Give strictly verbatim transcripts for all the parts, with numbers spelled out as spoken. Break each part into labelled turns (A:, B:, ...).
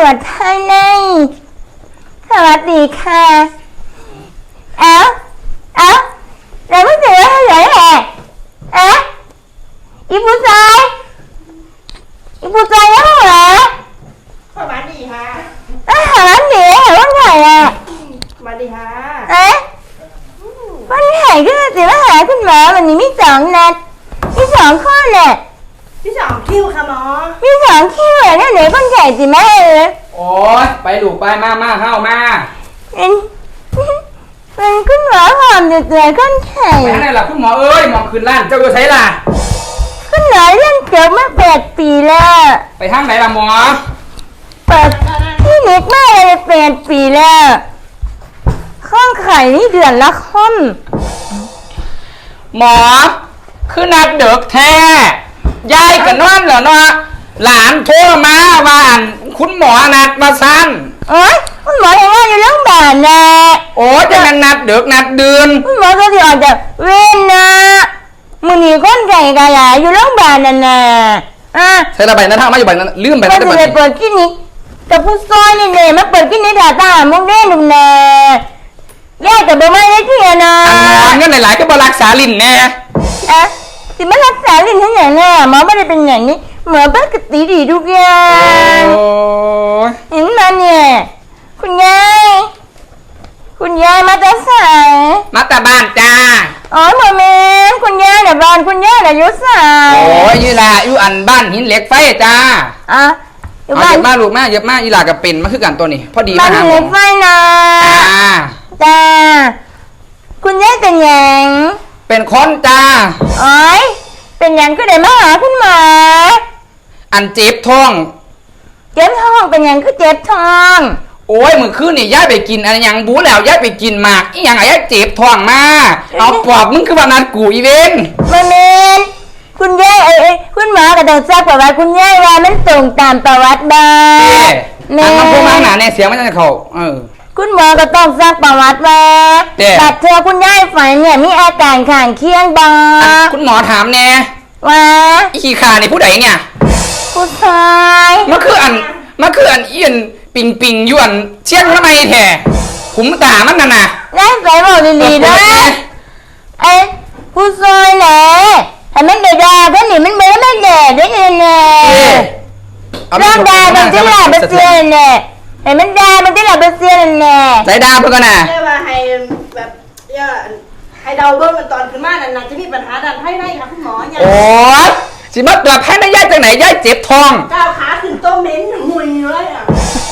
A: วจภายในสวัสดีค่ะเอ้าเอ้าเราไม่เจอให้เลยแหละเอ๊ะอีผู้ชายอีผู้ชายยังเหรอ
B: สวัสดีค่ะ
A: เอ้ยหาวันดีหาวันไหนอ่ะ
B: สวัสดีค่ะ
A: เอ๊ะวันไหนก็จะมาหาคุณหมอวันนี้มีสองนัดมีสองข้อเนี่ย
B: ที่สองคิวค่ะหมอ
A: มีสองคิวเหรอเนี่ยเดี๋ยวคนไข่สิแม่เลย
C: โอ้ยไปดูไปมามาเข้ามา
A: เป็นเป็นคุณหมอหอมจะเจอคนไข่
C: ไปไหนล่ะคุณหมอเอ้ยหมอคืนล้านเจ้าอยู่ไสล่ะ
A: คุณหมอเล่นเกือบมาแปดปีแล้ว
C: ไปทางไหนล่ะหมอ
A: เปิดที่นิกมาเลยแปดปีแล้วข้องไข่นี่เดือนละค่อน
C: หมอคือนัดเด็กแท้ยายกับนอนเหรอเนาะหลานโทรมาว่าอันคุณหมอนัดมาสั้น
A: โอ้ยคุณหมอยังว่าอยู่โรงพยาบาลนะ
C: โอ้จะนัดนัดเด็กนัดเดือน
A: คุณหมอก็จะออกจากเว้นนะมือหนีก้นไก่กระยาอยู่โรงพยาบาลนั่นน่ะอ่ะ
C: ใช่ระบายนั่นทางมาอยู่บ้านนั้นลืมไป
A: แล้วจะเปิดคลินิกกับผู้ซอยนี่เนี่ยมาเปิดคลินิกด่าตามุกเด้หนุ่มแน่แย่แต่เบอร์ไม่ได้ที่นะ
C: เงินหลายๆก็บรักษาลิ้นแน่
A: อะสิมารักษาลิ้นทั้งอย่างน่ะหมอไม่ได้เป็นอย่างนี้หมอปกติดีทุกอย่างเห็นมาเนี่ยคุณยายคุณยายมาแต่สาย
C: มาแต่บ้านจ้า
A: อ๋อหมอเมนคุณยายแต่บ้านคุณยายแต่ยุสาย
C: โอ้ยยี่ลาอยู่อันบ้านหินเหล็กไฟจ้า
A: อ่ะ
C: อยู่บ้านเยอะมากลูกมากเยอะมากยี่ลากับเป็นมาคือกันตัวนี้พอดี
A: มาหาหมอบ้านหินเหล็กไฟนะจ้าจ้าคุณยายเป็นยัง
C: เป็นคนจ้า
A: โอ้ยเป็นยังก็ได้มาหาคุณหมอ
C: อันเจ็บท้อง
A: เจ็บท้องเป็นยังก็เจ็บท้อง
C: โอ้ยเมื่อคืนนี่ย้ายไปกินอะไรยังบู๊แล้วย้ายไปกินหมากอีหยังไอ้เจ็บท้องมาเอาปอบมึงคือว่านัดกูอีเวน
A: มาเมนคุณยายเอ้ยคุณหมอก็ต้องทราบประวัติคุณยายว่ามันตรงตามประวัติบ้าง
C: แม่อันมันพูดมาหนาในเสียงมันจะเขาเออ
A: คุณหมอก็ต้องทราบประวัติว่าบัดเธอคุณยายฝันเนี่ยมีอาการข้างเคียงบ้าง
C: คุณหมอถามแน่
A: ว่า
C: อีขี้ขานี่ผู้ใดเนี่ย
A: ผู้ชาย
C: มันคืออันมันคืออันเอียนปิงปิงยวนเชี่ยงทำไมแท้ขุมตามันน่ะนะ
A: ได้ใส่บอกดีๆด้วยไอ้ผู้ชายแหละแต่มันเดือดเพราะหนีมันเบื่อไม่เดือดได้ยังไงร่างดามันจะหลับเบเซียนเนี่ยเห็นมันดามันจะหลับเบเซียนเนี่ย
C: ใส่ดาเพื่อนน่ะ
B: เรียกว่าให้แบบย่าให้เดาเบิ้งมันตอนขึ้นมานั่นน่ะจะมีปัญหาดันให้ได้ค่ะคุณหมอเนี่ย
C: โอ้ยสิมาตัวแพ้ได้ย่ายจากไหนย่ายเจ็บท้อง
B: ก้าวขาขึ้นโต๊ะเม้นหุยเลยอ่ะ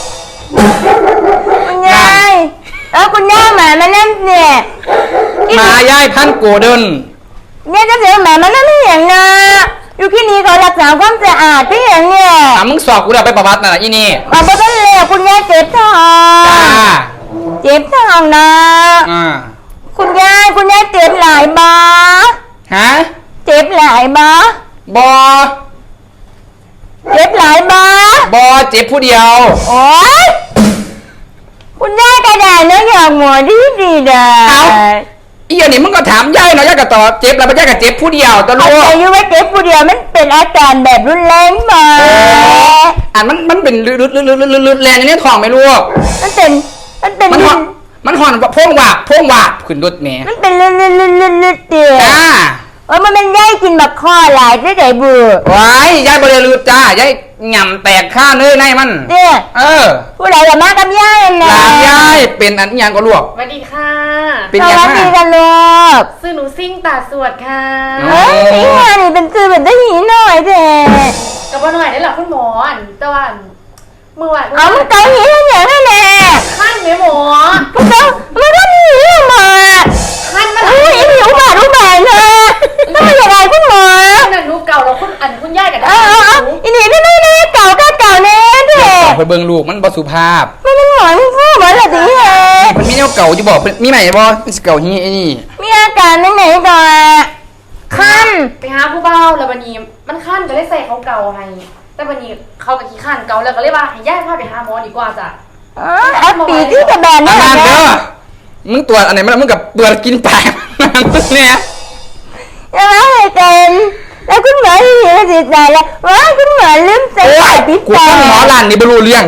A: คุณยายแล้วคุณย่าหมามานั่นเนี่ย
C: มาย่ายพันโกเดิน
A: เนี่ยจะเสียหมามานั่นไม่อย่างนะอยู่ที่นี่เขารักษาความสะอาดที่อย่างเนี่ย
C: อ่ะมึงสอบกูเดี๋ยวไปประวัติน่ะอีนี่
A: มาเพราะนั่นเลยคุณย่าเจ็บท้องเจ็บท้องนะ
C: อ่า
A: คุณยายคุณยายเจ็บหลายบ้า
C: ฮะ
A: เจ็บหลายบ้า
C: บอ
A: เจ็บหลายบ้า
C: บอเจ็บผู้เดียว
A: โอ้ยคุณยายกระดาษเนื้อหยอกหมอดีดีเด้อ
C: เอาอีอันนี้มึงก็ถามยายเนาะยายก็ตอบเจ็บแล้วไม่ใช่กับเจ็บผู้เดียวตัวลูก
A: อายุว่าเจ็บผู้เดียวมันเป็นอาการแบบรุนแรงมา
C: อ่านมันมันเป็นลืดลืดลืดลืดลืดแรงอย่างนี้ท้องไหมลูก
A: มันเป็นมันเป็น
C: มันหอนมันหอนพ่งว่าพ่งว่าขึ้นรถแม่
A: มันเป็นลืดลืดลืดลืดลืดเตี้ย
C: จ้า
A: เออมันเป็นยายกินแบบคอหลายได้ได้บู
C: ว้ายยายบริลืดจ้ายายหย่ำแตกข้าเนื้อในมัน
A: เนี่ย
C: เออ
A: ผู้ใดกับมากับยายนะ
C: หลานยายเป็นอันยังก็ลวก
D: สวัสดีค่ะ
C: เป็นยังไงสวัส
A: ดีกันลูก
D: ซื้อหนูซิ่งตาสวดค่ะ
A: เฮ้ยซิ่งมานี่เป็นซื้อเป็นได้หีหน่อยเด้
D: กับว่าหน่อยได้หรอคุณหมออันแต่ว่าเมื่อวาน
A: อ๋อมันเกาหีให้อย่างนั้นแหละ
D: ขั้นไหมหมอ
A: มันเกามันก็หีมา
D: ขั้นมัน
A: อุ้ยหิวบาดรู้บาดเลยต้องมาอย่างไรคุณหมอ
D: นั่นหนูเก่าเราคุณอันคุณย่ากันได้
A: อีนี่ไม่ไม่ไม่เก่าก็เก่าเน่เด้
C: ไปเบิ่งลูกมันบ่สุภาพ
A: มันเป็นหมอนพ่อหมอนอะไรเหรอ
C: มันมีแนวเก่าจะบอกมีใหม่บ่มันเก่าฮีไอ้นี่
A: มีอาการไหนไหนก่อนขั้น
D: ไปหาผู้เบาแล้ววันนี้มันขั้นก็เลยใส่เขาเก่าให้แต่วันนี้เขากับขี้ขั้นเก่าแล้วก็เลยว่าให้ย่าพาไปหาหมอดีกว่าจ้ะ
A: อ๋อแอปปีที่กระแบน
C: นี่
A: แหละ
C: เด้อมึงตรวจอันไหนมึงกับเปลือกกินปากเนี่ย
A: ยังไงเป็นแล้วคุณหมอที่อยู่ในจิตใจแล้วว้าคุณหมอลืมใส่
C: ปิดปากกูต้องหมอหลานนี่บรรลุเรื่องโ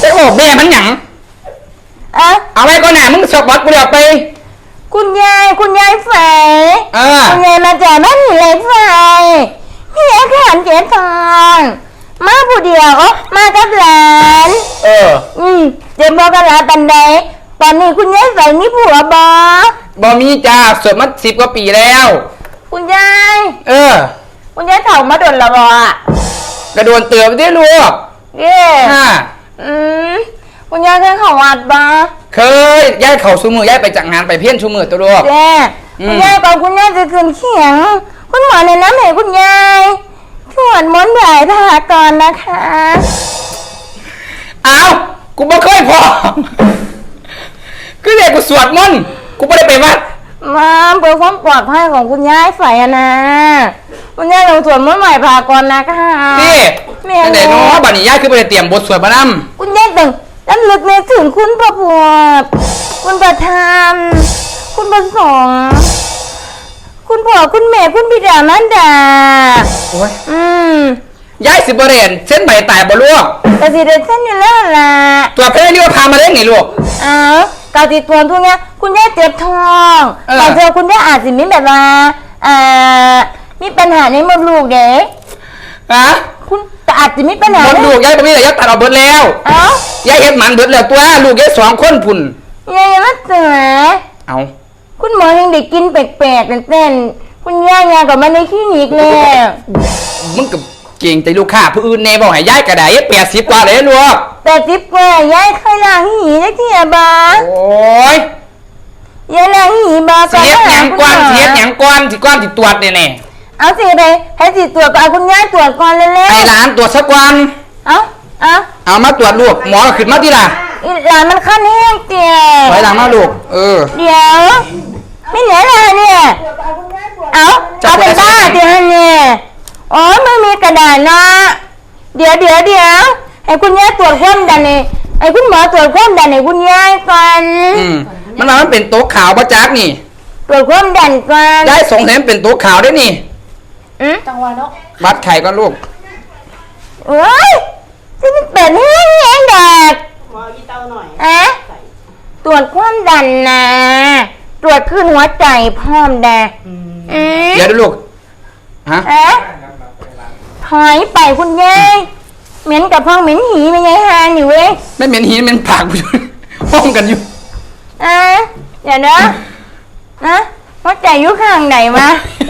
C: จะบอกแม่มันหยัง
A: เอ้า
C: เอาไว้ก่อนหน่ะมึงสอบบอสกูเดี๋ยวไป
A: คุณยายคุณยายไฟ
C: เออ
A: คุณยายมาจากบ้านหินเหล็กไฟพี่เอ๋ขานเกียรติทองมาผู้เดียวมากับหลาน
C: เออ
A: อืมเจ็บบอกกับหลานปันใดตอนนี้คุณยายไฟมีผัวบอบ
C: อมีจ้าสวดมาสิบกว่าปีแล้ว
A: คุณยาย
C: เออ
A: คุณยายเถ่ามาโดนละบออะ
C: กระโดนเตือนไปได้ลูก
A: เย่
C: ฮ่า
A: อืมคุณยายเคยเข้าวัดบอ
C: เคยย้ายเข่าชูมือย้ายไปจากงานไปเพี้ยนชูมือตัวลูก
A: เย่
C: อืม
A: คุณยายก่อนคุณยายจะขึ้นเขียง คุณหมอในน้ำให้คุณยายสวดมนต์บ่ายพาก่อนนะคะ
C: อ้าวกูบ่เคยพอคือเด็กกูสวดมนต์กูไม่ได้ไปวัด
A: มาเพื่อความปลอดภัยของคุณยายไฟอะนะคุณยายลงสวดมนต์บ่ายพาก่อนนะคะ
C: นี่
A: แม่
C: แต่เนาะบัดนี้ย้ายคือไปเตรียมบทสวดมานำ
A: คุณยายต้องรำลึกในถึงคุณพระพุทธคุณประธานคุณประสงค์คุณพ่อคุณแม่คุณบิดามารดา
C: โอ้ย
A: อืม
C: ย้ายสิบเรียนเส้นใบตายบ่ลูก
A: กะสิเดเส้นอยู่แล้วล่ะ
C: ตัวเพลเรียกว่าพามาเล่นไงลูก
A: อ้าวกาติดตัวทุกเนี้ยคุณยายเจ็บท้อง
C: เออ
A: บางเจอคุณยายอาจสิมีแบบว่าอ่ามีปัญหาในมดลูกเด็ก
C: ฮะ
A: คุณแต่อาจจะมีปัญหา
C: หมดลูกย้ายไปมีแต่ย้ายตัดเอาเบิดแล้ว
A: เอ้า
C: ย้ายเฮ็ดหมันเบิดแล้วตัวลูกย้ายสองคนพุ่น
A: ยายมาเสือ
C: เอา
A: คุณหมอยังได้กินแปลกๆเต้นๆคุณย่ายากับมาในคลินิกแล้ว
C: มึงกับเก่งใจลูกค้าผู้อื่นแน่บอกให้ย้ายกระไดแปดสิบกว่าเลยลูก
A: แต่จิ๊บกว่ายายเคยล้างหีได้ที่อะบา
C: โอ้ย
A: ยายล้างหีบา
C: เสียดหยังก้อนเสียดหยังก้อนสิก้อนสิตรวจเนี่ยแน่
A: เอาสิไปให้สิตรวจก่อนเอาคุณย่าตรวจก่อนเร็ว
C: ไอ้หลานตรวจสักวัน
A: ๆเอาเอา
C: เอามาตรวจลูกหมอขึ้นมาทีละ
A: อีหลานมันขั้นแห้งเตี้ย
C: ถอยหลังมาลูกเออ
A: เดี๋ยวไม่เหลืออะไรเนี่ยเอาเอาเป็นบ้าเดี๋ยวเนี่ยโอ้ยไม่มีกระดาษนะเดี๋ยวเดี๋ยวเดี๋ยวให้คุณย่าตรวจความดันนี่ไอ้คุณหมอตรวจความดันให้คุณย่าก่อน
C: อืมมันว่ามันเป็นโต๊ะขาวประจักนี่
A: ตรวจความดันก่อน
C: ได้สงสัยมันเป็นโต๊ะขาวได้นี่
A: อืม
D: จังหวะเนาะ
C: วัดไข่ก็ลูก
A: เอ้ยจะเป็นเป็ดแห้งแห้งแดด
B: หมออีเตาหน่อย
A: อะ
B: ใส่
A: ตรวจความดันนะ ตรวจขึ้นหัวใจพร้อมแดดอืม
C: เดี๋ยวดูลูกฮะ
A: อะถอยไปคุณยายเหม็นกับพ้องเหม็นหีไม่ยายฮานี่เว้ย
C: ไม่เหม็นหินเหม็นปากกูอยู่ ห้องกันอยู่
A: อ่ะเดี๋ยวนะนะหัวใจอยู่ข้างไหนวะ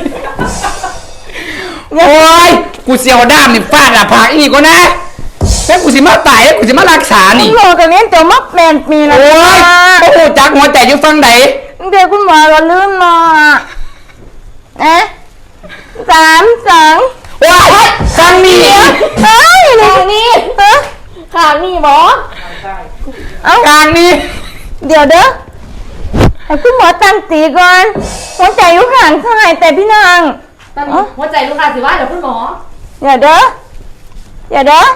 C: โอ้ยกูเสียวด้ามนี่ฟาดอะผากอีกก็นะแล้วกูสิมาตายแล้วกูสิมารักษา
A: คุ
C: นี่
A: ณหมอกับเลี้ยงตัวมักแปดปีแล้ว
C: โอ้ยโอ้โหจักหัวใจอยู่ฟังไหน
A: เดี๋ยวคุณหมอเราลืมมานะสามสอง
C: ว้ายฟังนี่
A: เฮ้ยขางนี้เฮ้ย
D: ขางนี่หมอ
A: เอ้าก
C: ลางนี่
A: เดี๋ยวเด้อให้คุณหมอตั้งตีก่อนหัวใจอยู่ข้างซ้ายแต่พี่นาง
D: ตอนนี้หัวใจลูกค้าสิว่าเดี๋ยวคุณหมอ
A: เดี๋ยวเด้อเดี๋ยวเด้อ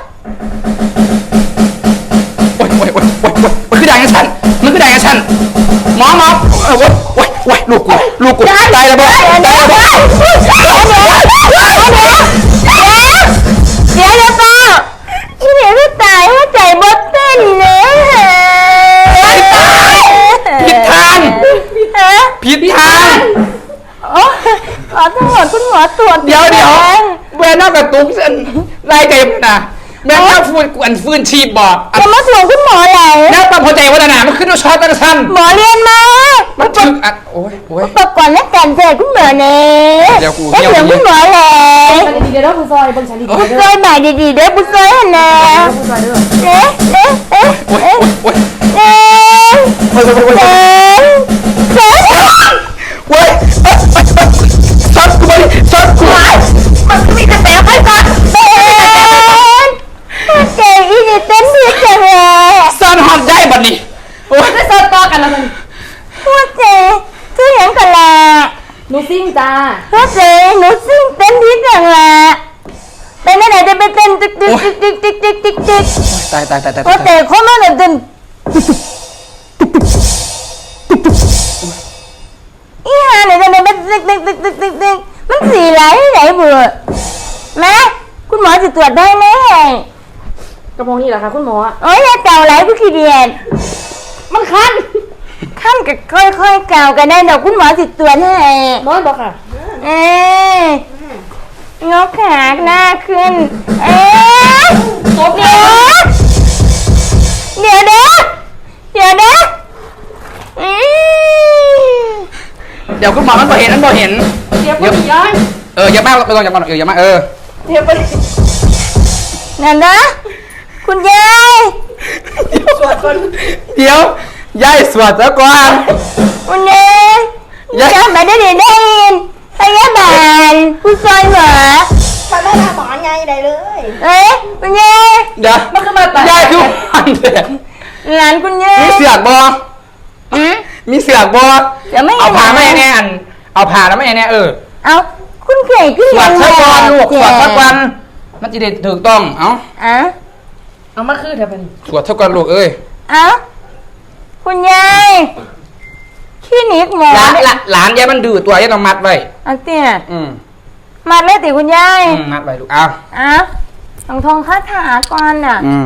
C: โอ้ยโอ้ยโอ้ยโอ้ยโอ้ยมันคือด่างกับฉันมันคือด่างกับฉันหมอหมอเออโอ้ยโอ้ยโอ้ยลูกกูลูกกูตายแล้วบ่
A: เดี๋ยว
C: ตาย
A: เดี๋ยว
C: แล้วบ่
A: เดี๋ยวเดี๋ยวเดี๋ยวเดี๋ยวเดี๋ยวเดี๋ยวเดี๋ยวเดี๋ยวเปล่าอีเดี๋ยวก็ตายหัวใจบดเต้นเนื้อ
C: ผิดทาง
A: ฮะ
C: ผิดทาง
A: โอ้ขอโทษคุณหมอตรวจ
C: เดี๋ยวเดี๋ยวเวนนอกกระตุกเส้นไล่เต็มนะแม่น่าฟื้นกวนฟื้นชีพบอกอัน
A: จะมาตรวจคุณหมอไหน
C: แล้วปั๊มหัวใจวัฒนามันขึ้นด้วยช็อตตั้งสั้น
A: หมอเรียนมา
C: มันถึงอัดโอ้ยโอ้ย
A: ประกอบและการเสด็จคุณหมอเนี่ย
C: เดี๋ยวกู
A: แล้ว
C: เดี๋ยว
A: เสียงคุณหมอแหละ
D: ฉันดีๆเดี๋ยวเราคุณซอยเบิ่งฉันดีๆ
A: บุ
D: เด้
A: ซ
D: อ
A: อยใหม่ดีๆเด้อบุซอยหันนะ
D: คุณซอยเด้อ
A: เอ๊ะเอ๊ะเอ๊ะ
C: โอ้ย
A: เอ๊ะ
C: โอ้ย
A: เอ๊ะ
C: โอ้ยโอ้ยโอ้ย
A: เอ๊ะเอ๊ะ
C: โอ้ยช็อตกูไปช็อตกู
A: มันมีแต่แผลไปก่อนเอ๊ะเจ๊อีนี่เต้นดีจังเลย
C: ซ่อนหอดได้บัดนี้โอ้ย
D: ได้เซิร์ฟต่อกันแล้วมัน
A: หัวเจ๊คือเห็นกันละ
D: หนูซิ่งจ้า
A: หัวเจ๊หนูซิ่งเต้นดีจังละเป็นอะไรจะไปเต้นติ๊กติ๊กติ๊กติ๊กติ๊กติ๊กติ๊ก
C: ตายตายตายตาย
A: หัวเจ๊เขาไม่ได้เต้นอีห่าเนี่ยจะเป็นติ๊กติ๊กติ๊กติ๊กติ๊กติ๊กมันสีไหลไหลเบื่อแม่คุณหมอจะตรวจได้ไหม
D: ระโปรงนี่เหรอคะคุณหมอ
A: โอ้ยแล้วเก่าไหลผู้ขี้เดียด
D: มันคัน
A: ขั้นกับค่อยๆเก่ากันได้ดอกคุณหมอสิตรวจให้
D: หมอบอกค่ะ
A: เอ๊ะงอขาหน้าขึ้น เอ๊ะ
D: ตบ
A: เดี๋ยวเดี๋ยวเด้อเดี๋ยวเด้ออืม
C: เดี๋ยวคุณหมอมันบ่เห็นมันบ่เห็น
D: เดี๋ยวพี่ย้อย
C: เอออย่ามาไม่ต้องอย่ามาเอออย่ามาเออ
D: เดี๋ยวไป
A: นั่นนะคุณยาย
B: สวดคน
C: เดี๋ยวยายสวดซะก่อน
A: คุณยาย
C: ยาย
A: จำไม่ได้ได้ยินพยาบาลผู้ซอยหมา
B: มันไม่ทำหมอไงได้เลย
A: เอ๊ะคุณยาย
C: เดี๋ยว
D: มันขึ้นมาตาย
C: ยายคือมันเด็ก
A: หลานคุณยาย
C: มีเสือกบ่
A: อืม
C: มีเสือกบ่
A: เดี๋ยวไม่
C: เอาผ้า
A: เห็น
C: ไม่แน่อันเอาผ้าแล้วไม่แน่เออ
A: เอาคุณเข่ขึ้น
C: สวดซะก่อนลูกสวดซะก่อนมันจะได้ถูกต้องเอ้า
A: อ่ะ
D: เอามาคือเดี๋ยวไป
C: สวดซะก่อนลูกเอ้ย
A: เอาคุณยายคลินิกหมอ
C: หลานหลานหลานยายมันดื้อตัวยายต้องมัดไว้
A: อันเตี้ย
C: อืม
A: มาเลยติคุณยาย
C: อืมมัดไว้ลูกเอา
A: อ่ะต้องทองคาถาก่อนน่ะ
C: อืม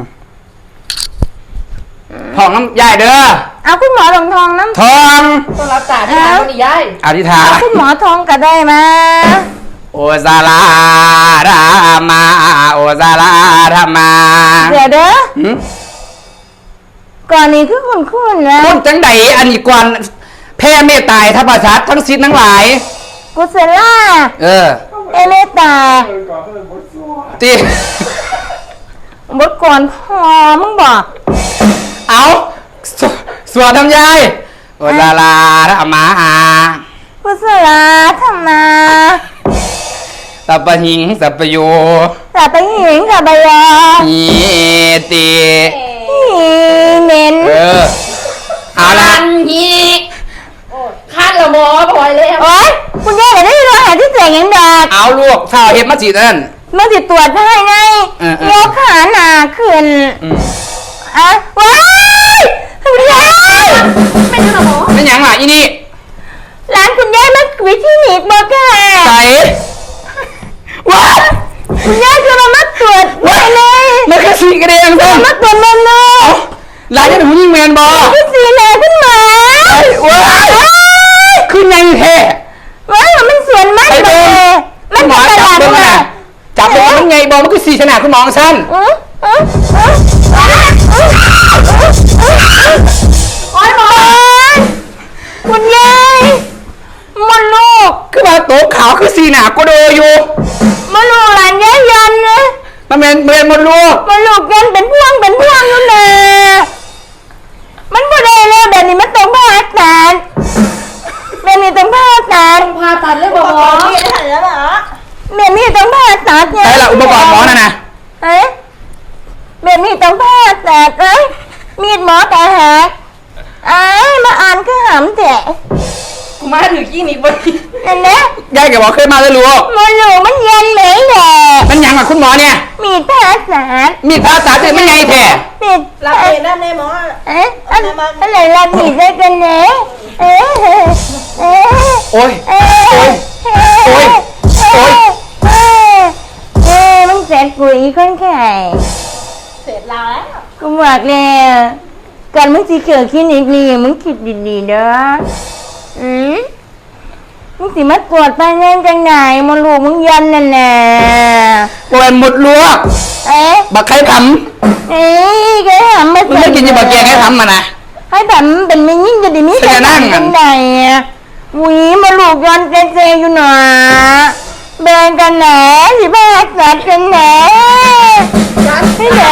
C: ทองน้ำยายเด้อ
A: เอาคุณหมอทองทองน้ำ
C: ทอง
D: ต้องรับจ่าที่ร้านคนนี้ย้าย
C: อธิษฐาน
A: เอาคุณหมอทองก็ได้มา
C: โอซาลารามาโอซาลาธรรมา
A: เดี๋ยวเด้อ
C: หืม
A: ก่อนนี้คือคุณคุณนะ
C: คุณจังใดอันนี้ก่อนแพ่เมตตาทัพประชัดทั้งสิ้นทั้งหลาย
A: กุศลา
C: เออ
A: เอเมตตา
C: ตี
A: บทก่อนพอมึงบอก
C: เอาสวสวดทำยายโอซาลาธรรมา
A: กุศลาธรรมา
C: สัพพหิงสัพพโย
A: สับไปหิงสับไปยา
C: อีติ
A: อีเหม็น
C: เออเอาละ
D: คันฮีคันละหมอปล่อยเลย
A: โอ๊ยคุณย่าเดี๋ยวได้รอหาที่เสียงยังดาก
C: เอาลูกข้าวเห็ดมาจีนั่น
A: เมื่อติดตรวจให้ไง
C: เออเออ
A: ยกขาหนาขึ้น
C: อืม
A: อ่ะว้ายคุณย่า
D: ไม่ใช่ละหมอ
C: นั่นหยังล่ะอีนี่
A: ร้านคุณย่ามาวิธีนิกบอกค่ะ
C: ใส่ว้า
A: คุณย่าจะมามาตรวจได้เลย
C: มันคือสีกระเดียงซ้
A: มาตรวจมันเลย
C: ำหลานจะถึงยิงแมนบอ
A: คือสีแดงขึ้นมา
C: ว้ายขึ้นยังแท้
A: ว้ายมันสวนมาก
C: ไป
A: เล
C: เบิ่ง
A: ยมัน
C: หมอ
A: เป็นต
C: จับ
A: ลาด
C: เบิ่ง
A: มา
C: น่ะจับเบิ่งมันไงบอมันคือสีขนาดคุณหมองสั้น
A: อืออืออืออืออือ
D: โอ้ยหมอ
A: คุณยายมันลูก
C: คือว่าโต๊ะขาวคือสีหนาก็โดอยู่
A: มันลูกหลานยายยันนะ
C: มันเป็นเมนหมดลูก
A: มันลูกยันเป็นพวงเป็นพวงนู่นน่ะมันบ่ได้แล้วแบบนี้มันต้องผ่าตัดแบบนี้ต้องผ่าตัด
D: พาตัดเลยบ
B: หม
D: อ
B: อ
D: หมอ
B: ที่ได้แล้วเหรอ
A: แบบนี้ต้องผ่าตัดเนี่ย
C: ใช่ละอุปกรณ์หมอน่ะนะ
A: เอ๊ะแบบนี้ต้องผ่าตัดเอ้ยมีดหมอแต่หักอ้ายมาอ่านก็หำแตะ
D: กูมาถือกี้นิกบน
A: นั่นนะ
C: ยายแกบอกเคยมาแล้วลูก
A: มันลูกมันยันไหนแหละ
C: มันหยังกับคุณหมอเนี่ย
A: มีดผ่าตัด
C: มีภาษาตื่นมันไงแท้
A: มีด
B: รับเองได้ไหมหมอ
A: เอ๊ะอันอะไรรับมีดได้กันเนี่ยเอ๊ะเอ๊ะ
C: โอ้ย
A: เอ๊ะ
C: โอ้ย โอ้ย โอ้ย
A: เอ๊ะเอ๊ะมึงเสร็จปุ๋ยคนไข่
B: เสร็จแล้ว
A: กูบอกแล้วก่อนมึงสิเกิดคลินิกนี่มึงคิดดีๆเด้ออืมมึงสิมาตรวจไปเงินจังไหนมาลูกมึงยันนั่นน่ะ
C: โอ้ยหมดลัว
A: เอ๊ะ
C: บักไข่ท
A: เอ๊ะแกหามา
C: ำมึงไม่กินอยี่บักแกงให้ทำมานะ
A: ให้แบบมันเป็นไม่ยิ่งจะดีมีแต่
C: จะนั่ง
A: จังไหนอะหวีมาลูกยันเซๆอยู่หน่อยแบ่งกันแหนสิบ้าสัตว์กันแหนให้แหน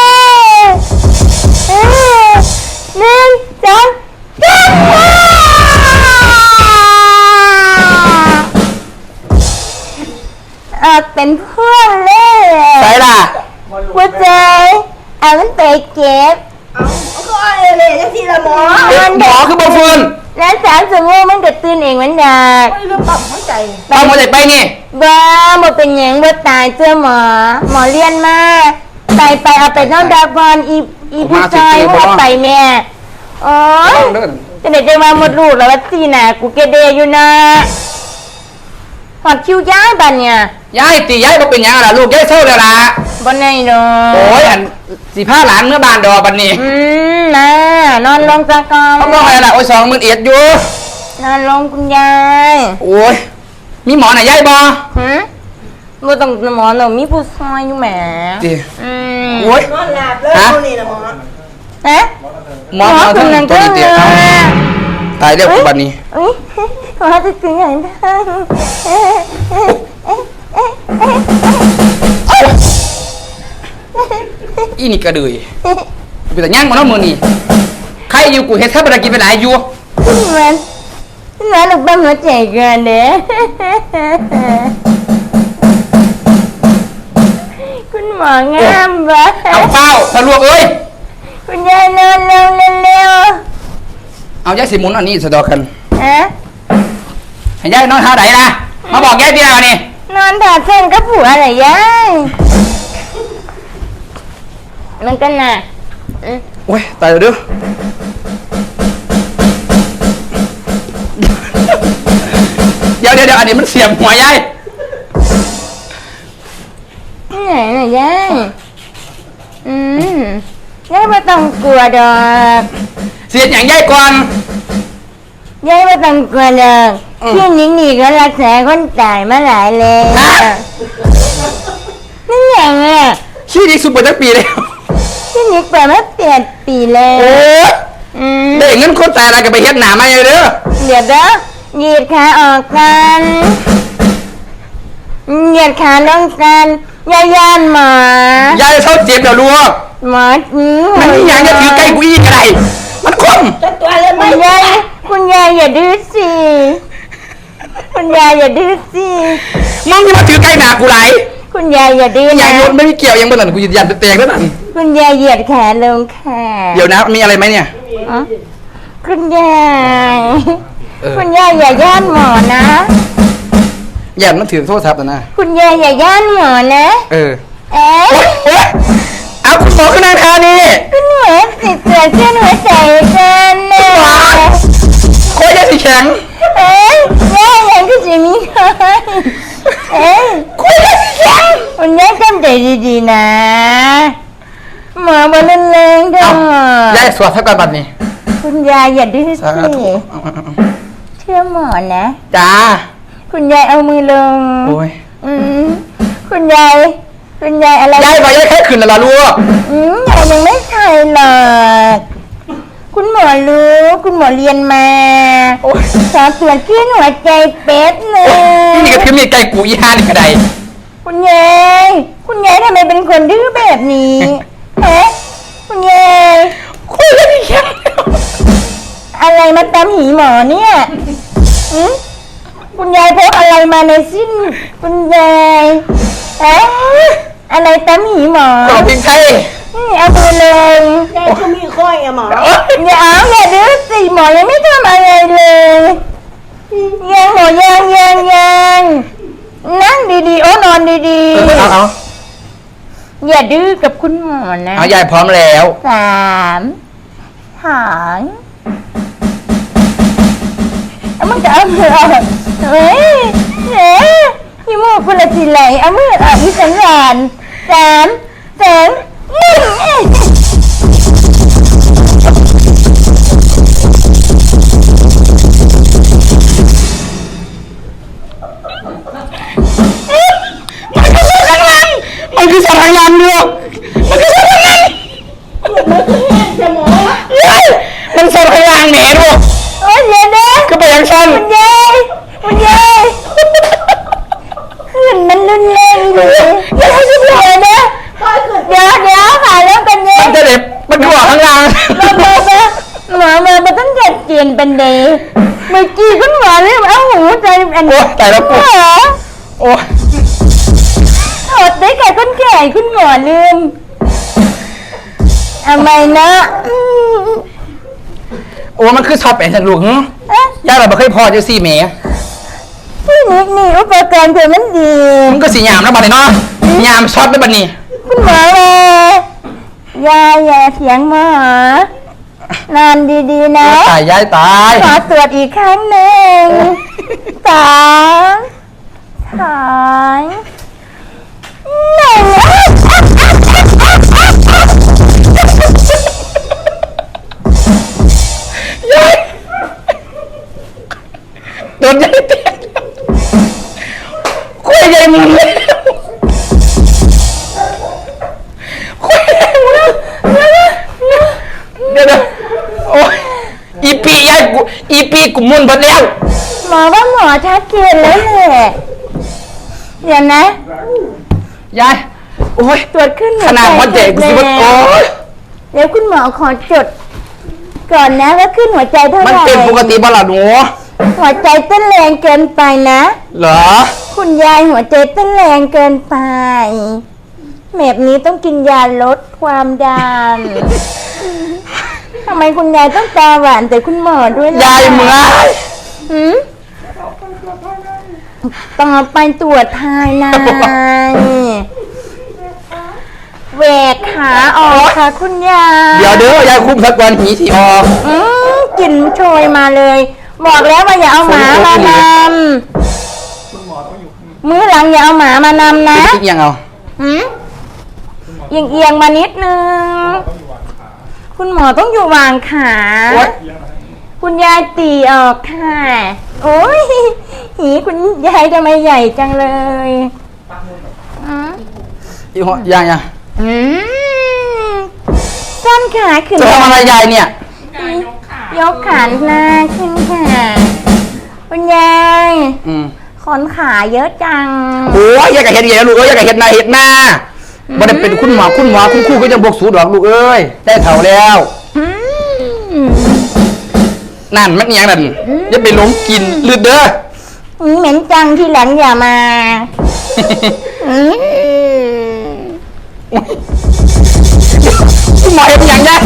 A: เอ๊ะหนึ่งสองสามเออเป็นเพื่อนเลย
C: ใส่ล่ะ
A: หัวใจเอามันไปเก็บ
B: เอาเอาก็เอาเลยเลยยังทีละหมอ
C: หมอคือบอฟืน
A: แล้วสามสมองมันก็ตื่นเองมันอยาก
B: ไม่รู้ปรับหัวใจ
C: เอาหมดเลยไปนี่
A: บ้าบ่เป็นหยังบ่ตายเจ้าหมอ หมอเรียนมาไปไปเอาไปน้องดาบอลอีอีผู้ชายว่าไปแม่โอ้ย
C: เดิน
A: จะไหนจะมาหมดลูกแล้วว่าสีน่ะกูเกเดอยู่นะหอดคิวย้ายบันเนี่ย
C: ยายตียายก็เป็นหยังล่ะลูกยายเศร้าแล้วล่ะ
A: บนไหนดอ
C: โอ้ยอันสีผ้าหลานเมื่อบานดอกบันนี้
A: อืมนะนอนลงสักก่อน
C: เขาบอกอะไรล่ะโอ้ยสองหมื่นเอ็ดอยู่
A: นอนลงคุณยาย
C: โอ้ยมีหมอไหนยายบอ
A: หืมบ่ต้องหมอหนูมีผู้ซอยอยู่แหม
C: จี
A: อืม
C: โอ้ย
B: นอนหลับเลยพวกนี้นะหมอ
A: ฮะ
C: หมอหมอ
A: คุ
C: ทั้
A: ณ
C: ง
A: นั่ง
C: ตัว
A: เจ้า
C: นี้
A: เล
C: เตี้ย
A: ย
C: เอาตายเรียกบันนี้
A: อุ้ยหมอจะถึงไหนบ้างเอ๊ะเอ๊ะเอ๊ะเอ๊ะเอ๊ะ
C: อีนี่กระเดือยเป็นแต่ย่างมันน้องมือนี่ใครอยู่กูเฮ็ดข้าวปลากินไปหลายอยู่
A: คุณมันคุณมันลูกบ้านหัวใจเกินเด้คุณหมองามปะ
C: เอาเป้าทะลวกเอ้ย
A: คุณยายนอนลงเร็ว
C: เอายายสิหมุนอันนี้สะดอกกัน
A: ๆฮะ
C: ให้ยายนอนท่าไหนนะมาบอกยายที่ไหนนี่
A: นอนถอดเส้นกับผัวเหรอยายมันกันน่ะอืม
C: โอ้ยตายแล้วเด้อเดี๋ยวเดี๋ยวเดี๋ยวอันนี้มันเสียบหัวยาย
A: ที่ไหนน่ะยายอืมยายไม่ต้องกลัวดอก
C: เสียบอย่างยายก่อน
A: ยายไม่ต้องกลัวดอก
C: อืม
A: ที่นี่นี่ก็รักษาคนตายมาหลายแล้ว
C: ฮะ
A: นี่อย่างอ่ะ
C: ขี้ดีสุดเปิดตั้งปีแล้ว
A: ที่นี่เปิดมาเปลี่ยนปีแล้ว
C: โอ้ย
A: อืม
C: ได้เงินคนตายอะไรก็ไปเฮ็ดหนามาเลยเด้อ
A: เดี๋ยวเด้อเหยียดขาออกกันเหยียดขาลงกันยายย่านหมอย
C: ายเศร้าเจ็บเดี๋ยวรู้
A: หมออื
C: มันนี่ยังจะถือใกล้กูอีกอะไรมันคม
B: จะตัวเลย
A: คุ
B: ไม่
A: ณยายคุณยายอย่าดื้อสิคุณยายอย่าดื้อสิ
C: มึงจะมาถือใกล้หนากูไร
A: คุณยายอย่าดื้อ
C: ยั
A: นะ
C: งโยนไม่มีเกี่ยวยังบนหลังกูยืนยันแตกแล้วนั่น
A: คุณยายเหยียดขาลงค่ะ
C: เดี๋ยวนะมีอะไรไหมเนี่ย
A: อ๋อคุณยาย
C: เออ
A: คุณยายอย่าย่านหมอนะ
C: ยันมันถือโทษทัพนะ
A: คุณยายอย่าย่านหมอนะ
C: เออ
A: เอ๊ะ
C: โอ๊ยโอ๊ยเอาคุณหมอขึ้นนางทานี่
A: คุณหมอติดเสื้อเส้นหัวใจกันนะ
C: โคตรยาสีแข็ง
A: เอ๊ะย่ายังก็จะมีใครเอ๊ะ
C: โคตรยาสีแข็ง
A: คุณยายจำใจดีๆนะหมอบอลแรงๆเด้
C: เอา
A: อย
C: ายสวดเท่ากันบัดนี้
A: คุณยายอย่าดื้อ
C: สา
A: สิ
C: ธุเอาเอาเอา
A: เชื่อหมอนะ
C: จ้า
A: คุณยายเอามือลง
C: โอ้ย
A: อืมคุณยาย คุณยายอะไร
C: ยายบอกยายแค่ขึ้นแล้วล่ะลูก
A: อืมยายยังไม่ใช่หรอกคุณหมอรู้ คุณหมอเรียนมา
C: โอ้ย
A: สอบตรวจคลื่นหัวใจเป๊ะเล
C: โอ้ย
A: ย
C: นี่ก็คือมีไก่กูอีห้านี่กระได
A: คุณยาย คุณยายทำไมเป็นคนดื้อแบบนี้ฮะคุณยาย
C: โคตรยาสีแข็ง
A: อะไรมาตามหีหมอเนี่ยอืมคุณยายพกอะไรมาในสิ้น คุณยายฮะอะไรตามหีหมอ
C: ขอพิงไทย
A: อืมเอามือเลย
B: ยายก็มีข้อยอะหมอ
C: โอ๊ย
A: อย่าเอาอย่าดื้อสิหมอยังไม่ทำอะไรเลยยังหมอยังยังยังนั่งดีๆโอ้นอนดี
C: เออเอาเอา
A: ๆอย่าดื้อกับคุณหมอนะ
C: เอายายพร้อมแล้ว
A: สามหางเอามึงจะเอามือออกเฮ้ยเฮ้ยยี่มูกคุณละทีไหลเอามือออกที่สันหลานสามสองหนึ่งเอ้ย
C: มันคือสัตว์ทางน้ำด้วยมันคือสัตว์ทางน้ำ
B: จะหมอ
C: เฮ้ยมันสัตว์ทางน้ำแหนด้วย
A: โอ้ยเดี๋ยวนะ
C: ก็ไปยังชั้น
A: คุณยายคุณยายขึ้นมันรุนแรงเลยเดี๋ยวเดี๋ยวนะ
B: ข้อยขึ้น
A: เดี๋ยวเดี๋ยวหาแล้วกันเนี่ย
C: มันจะเด็บมันคือออกข้างล่าง
A: มามามาหมอมามาต้องจัดเจียนเป็นเดย์เมื่อกี้คุณหมอเรียกเอาหูใจอัน
C: โอ้ยตายแล้ว
A: หม
C: กู
A: อ
C: โอ้ย
A: ถอดได้แก่คนแก่คุณหมอลืมทำไมนะอืม
C: โอ้มันคือชอบแอนฉันลูกหึ
A: เอ๊ะ
C: ย่าเราไม่เคยพอจะสี่เมย์
A: พี่นิกนี่อุปกรณ์เธอมันดี
C: มันก็สีหยามแล้วบัดนี้เนาะหยามช็อตได้บัดนี้
A: คุณหมอเลยยายอย่าเสียงหมอนอนดีๆนะ
C: ตายยายตาย
A: ขอตรวจอีกครั้งหนึ่งสองสอง
C: โดนยายเตะคุยยายมึงเลยคุยยายมึงแล้วเดี๋ยวเดี๋ยวโอ้ยอีปียายกูอีปีกูมุนหมดแล้ว
A: หมอว่าหมอชัดเจนแล้วแหละเดี๋ยวนะ
C: ยายโอ้ย
A: ตรวจขึ้น
C: ขนาดหัวใจกูสิว่าโอ้ย
A: เดี๋ยวคุณหมอขอจดก่อนนะว่าขึ้นหัวใจเท่าไห
C: มัน
A: ร่
C: เป็นปกติบ้าล่ะหนู
A: หัวใจเต้นแรงเกินไปนะ
C: เหรอ
A: คุณยายหัวใจเต้นแรงเกินไปแบบนี้ต้องกินยาลดความดันทำไมคุณยายต้องตาหวานแต่คุณหมอด้วยล่ะ
C: ยายเมื่อย
A: หืมต่อไปตรวจภายในแหวกขาออกค่ะคุณยาย
C: เดี๋ยวเด้อยายคุ้มสักวันหีสีออก
A: อืมกลิ่นโชยมาเลย บอกแล้วว่าอย่าเอาหมามานำมื้อหลังอย่าเอาหมามานำนะ
C: คิดยังเอา
A: หืมเอียงเอียงๆมานิดนึง คุณหมอต้องอยู่วางขา
C: โอ๊ย
A: คุณยายตีออกค่ะ โอ้ยหีคุณยายทำไมใหญ่จังเลยอืม
C: อีหัวยังยัง
A: อืมต้นขาขึ้น
C: จะทำอะไรยายเนี่ย
A: ยกขาหน้าขึ้นค่ะคุณยาย
C: อืม
A: ขนขาเยอะจัง
C: โอ้ยยายกับเห็ดเหี้ยลูกเอ้ยยายกับเห็ดหน้าเห็ดหน้าบ่ได้เป็นคุณหมอคุณหมอคุณครูก็จะบวกสูดหรอกลูกเอ้ยได้เท่าแล้ว
A: อืม
C: นั่นมันยังนั่นอย่าไปหลงกินลืดเด้อ
A: อืมเหม็นจังที่หลังอย่ามาอืม
C: คุณหมอเห็นยังไง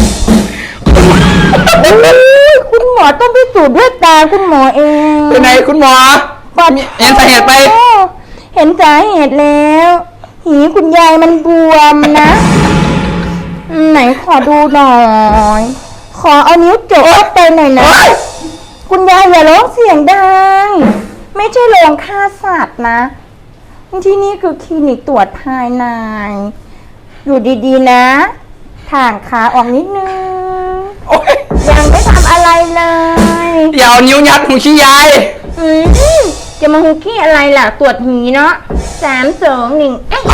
A: คุณหมอต้องพิสูจน์ด้วยตาคุณหมอเอง
C: เป็นไงคุณหมอ
A: ปัด
C: เห็นสาเหตุไป
A: โอ้เห็นสาเหตุแล้ว หีคุณยายมันบวมนะอืมไหนขอดูหน่อย ขอเอานิ้วโจกเข้าไปหน่อยนะ คุณยายอย่าร้องเสียงดัง ไม่ใช่โรงฆ่าสัตว์นะ ที่นี่คือคลินิกตรวจภายใน อยู่ดีๆนะถ่างขาออกนิดนึง
C: โอ๊ย
A: ยังไม่ทำอะไรเลย
C: เดี๋ยวเอานิ้วยัดหูชี้ยาย
A: อืมจะมาหุกขี้อะไรล่ะ ตรวจหีเนาะสามสองหนึ่งเอ๊ะ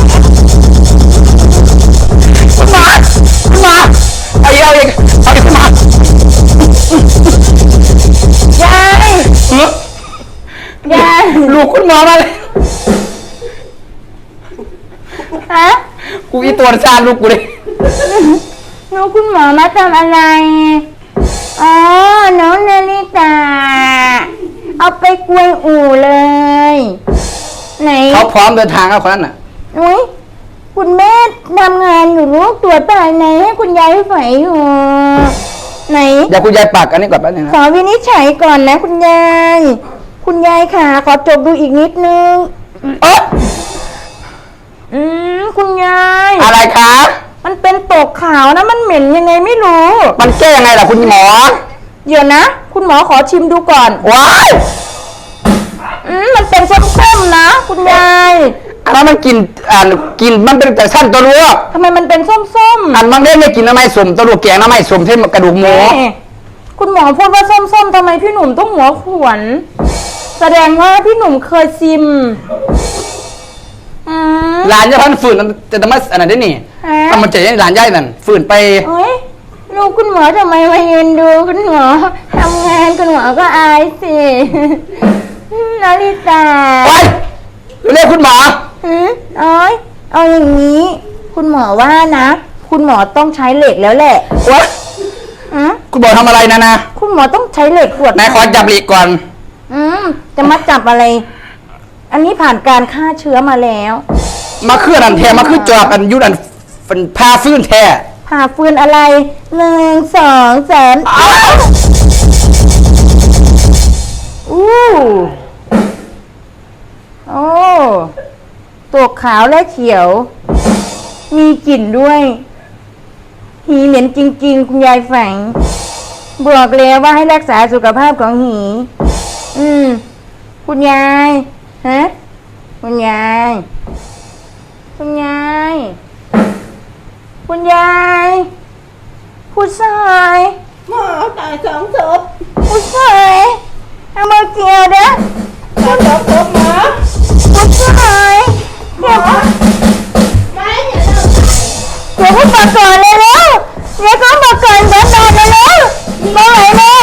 C: คุณหมอคุณหมอเอาอีกเอาอีกเอาอีกคุณหมอย
A: าย
C: เฮ้ย
A: ยาย
C: ลูกคุณหมอมาเลย
A: ฮะ
C: กูอีตัวซานลูกกูเลย
A: หนูคุณหมอมาทำอะไร อ๋อ น้องนาริตา เอาไปกวนอู่เลย ไหน
C: เขาพร้อมเดินทางแล้วคนนั้นน่ะ
A: อุ้ยคุณแม่ทำงานอยู่ลูกตรวจภายในให้คุณยายไฝอยู่ ไหน
C: เดี๋ยวคุณยายปากอันนี้ก่อนแป๊บนึง
A: ข
C: นะ
A: อวินิจฉัยก่อนนะคุณยาย คุณยายค่ะขอจบดูอีกนิดนึง
C: เอ๊ะ
A: อืมคุณยาย
C: อะไรคะ
A: มันเป็นตกขาวนะมันเหม็นยังไงไม่รู้
C: มันแก้ยังไงล่ะคุณหมอ
A: เดี๋ยวนะ คุณหมอขอชิมดูก่อน
C: ว้าย
A: อืมมันเป็นส้มๆนะ คุณยาย
C: อันนั้นมันกินอ่านกินมันเป็นแต่สั้นตัวรู้
A: ทำไมมันเป็นส้มๆ
C: อันมันได้ไม่กินน้ำไม้สมตัวรู้แกงน้ำไม้สมเท่กระดูกหมู
A: แม่คุณหมอพูดว่าส้มๆทำไมพี่หนุ่มต้องหัวขวน แสดงว่าพี่หนุ่มเคยชิมอืม
C: หลานจะพันฝืนจะทำไมอันนั้นได้นี่
A: ฮะ
C: ทำมันจะยังหลานย่ายนั่นฝืนไป
A: โอ้ยลูกคุณหมอทำไมมายืนดูคุณหมอทำงานคุณหมอก็อายสินาริตา
C: ไปเรียกคุณหมอ
A: หืมโอ้ยเอาอย่างนี้ คุณหมอว่านะ คุณหมอต้องใช้เหล็กแล้วแหละ
C: วะ
A: อืม
C: คุณบอกทำอะไรนะนะ
A: คุณหมอต้องใช้เหล็กขวด
C: นายขอจับหลีกก่อน
A: อืมจะมาจับอะไร อันนี้ผ่านการฆ่าเชื้อมาแล้ว
C: มาเคลื่อนอันแท้มาขึ้นจอบอันยุดันฟันพาฟื้นแท้
A: ผ่าฟืนอะไรหนึ่งสองสาม
C: อ้าว
A: อู้โอ้ตัวขาวและเขียว มีกลิ่นด้วย หีเหม็นจริงๆ คุณยายแฝงบอกแล้วว่าให้รักษาสุขภาพของหี อืม คุณยาย ฮะ คุณยาย ฮคุณยายผู้ชาย
B: หมอตายสองศพ
A: ผู้ชายเอามาเกี่ยวนะ
B: สองศพหมอ
A: ผู้ชายเดี๋ยว
B: ไม่เห็นเรา
A: เดี๋ยวเขามาก่อนเลยแล้วเดี๋ยวเขามาก่อนเดี๋ยวตายไปแล้วมาไหนแม่